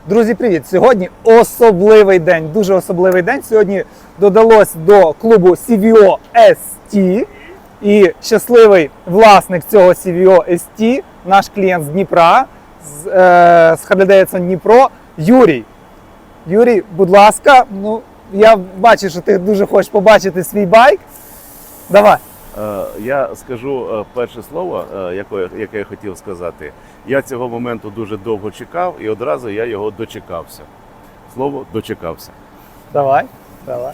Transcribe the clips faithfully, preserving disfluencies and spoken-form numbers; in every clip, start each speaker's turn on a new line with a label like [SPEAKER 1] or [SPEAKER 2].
[SPEAKER 1] Друзі, привіт! Сьогодні особливий день, дуже особливий день. Сьогодні додалось до клубу сі ві о ес ті. І щасливий власник цього сі ві о ес ті, наш клієнт з Дніпра, з, е, з Harley Davidson Дніпро, Юрій. Юрій, будь ласка, ну, я бачу, що ти дуже хочеш побачити свій байк. Давай.
[SPEAKER 2] Я скажу перше слово, яке я хотів сказати. Я цього моменту дуже довго чекав і одразу я його дочекався. Слово дочекався.
[SPEAKER 1] Давай, давай.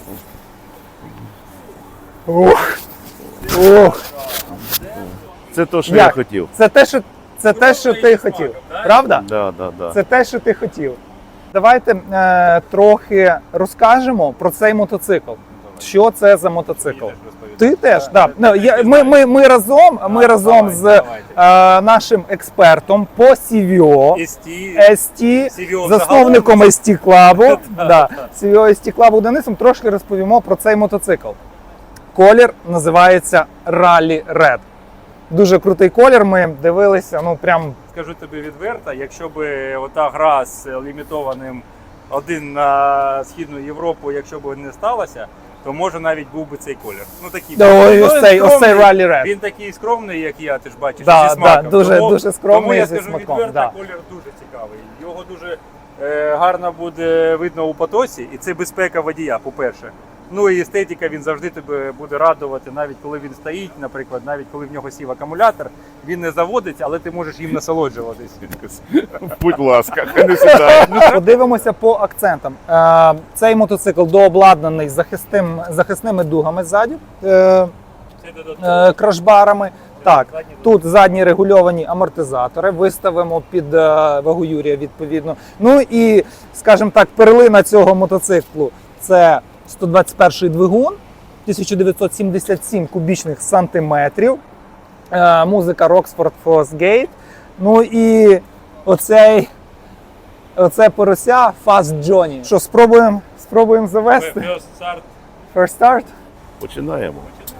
[SPEAKER 1] Ух. Ух.
[SPEAKER 2] Це те, що
[SPEAKER 1] Як?
[SPEAKER 2] я хотів.
[SPEAKER 1] Це те, що, це те, що ти хотів. Правда?
[SPEAKER 2] Да, да, да.
[SPEAKER 1] Це те, що ти хотів. Давайте е, трохи розкажемо про цей мотоцикл. Що це за мотоцикл? Ти теж, так. Да. Я, ми, ми, ми разом, ми разом з е, нашим експертом по сі ві о ес ті, засновником ес ті Club, да, сі ві о ес ті Club Денисом, трошки розповімо про цей мотоцикл. Колір називається Rally Red. Дуже крутий колір, ми дивилися, ну прям...
[SPEAKER 3] Скажу тобі відверто, якщо б ота гра з лімітованим один на Східну Європу, якщо б не сталося, то може навіть був би цей колір. Ну такий.
[SPEAKER 1] Да,
[SPEAKER 3] він,
[SPEAKER 1] ось цей, ось цей Rally Red.
[SPEAKER 3] Він такий скромний, як я, ти ж бачиш,
[SPEAKER 1] да,
[SPEAKER 3] зі смаком.
[SPEAKER 1] Да, дуже,
[SPEAKER 3] тому,
[SPEAKER 1] дуже скромний,
[SPEAKER 3] тому я
[SPEAKER 1] зі
[SPEAKER 3] скажу
[SPEAKER 1] смаком,
[SPEAKER 3] відверто,
[SPEAKER 1] да.
[SPEAKER 3] колір дуже цікавий. Його дуже е, гарно буде видно у потоці, і це безпека водія, по-перше. Ну і естетика, він завжди тебе буде радувати, навіть коли він стоїть, наприклад, навіть коли в нього сів акумулятор, він не заводиться, але ти можеш їм насолоджуватись.
[SPEAKER 2] Будь ласка, хай не сідає.
[SPEAKER 1] Подивимося по акцентам. Е, Цей мотоцикл дообладнаний захисним, захисними дугами ззаду, е, е, крашбарами. Так, тут задні регульовані амортизатори, виставимо під е, вагу Юрія відповідно. Ну і, скажімо так, перлина цього мотоциклу – це сто двадцять перший двигун, тисяча дев'ятсот сімдесят сім кубічних сантиметрів, е, музика Rockford Fosgate. Ну і оцей, оце порося Fast Johnny. Що, спробуємо, спробуємо завести?
[SPEAKER 3] First start.
[SPEAKER 1] First start?
[SPEAKER 2] Починаємо.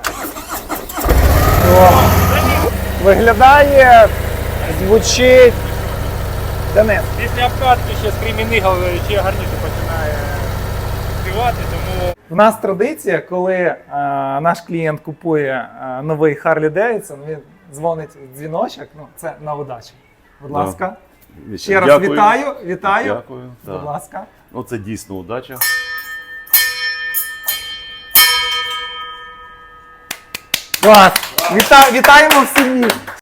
[SPEAKER 1] О, виглядає, звучить. Денис.
[SPEAKER 3] Після обкатки ще скрімінигал ще гарніше починає співати, тому...
[SPEAKER 1] У нас традиція, коли е, наш клієнт купує е, новий Harley Davidson, він дзвонить в дзвіночок, ну це на удачу. Будь
[SPEAKER 2] Да.
[SPEAKER 1] ласка. Ще раз
[SPEAKER 2] Дякую.
[SPEAKER 1] вітаю, вітаю.
[SPEAKER 2] Дякую.
[SPEAKER 1] Будь
[SPEAKER 2] Да.
[SPEAKER 1] ласка.
[SPEAKER 2] Ну, це дійсно удача.
[SPEAKER 1] Клас. Віта, вітаємо в сім'ї.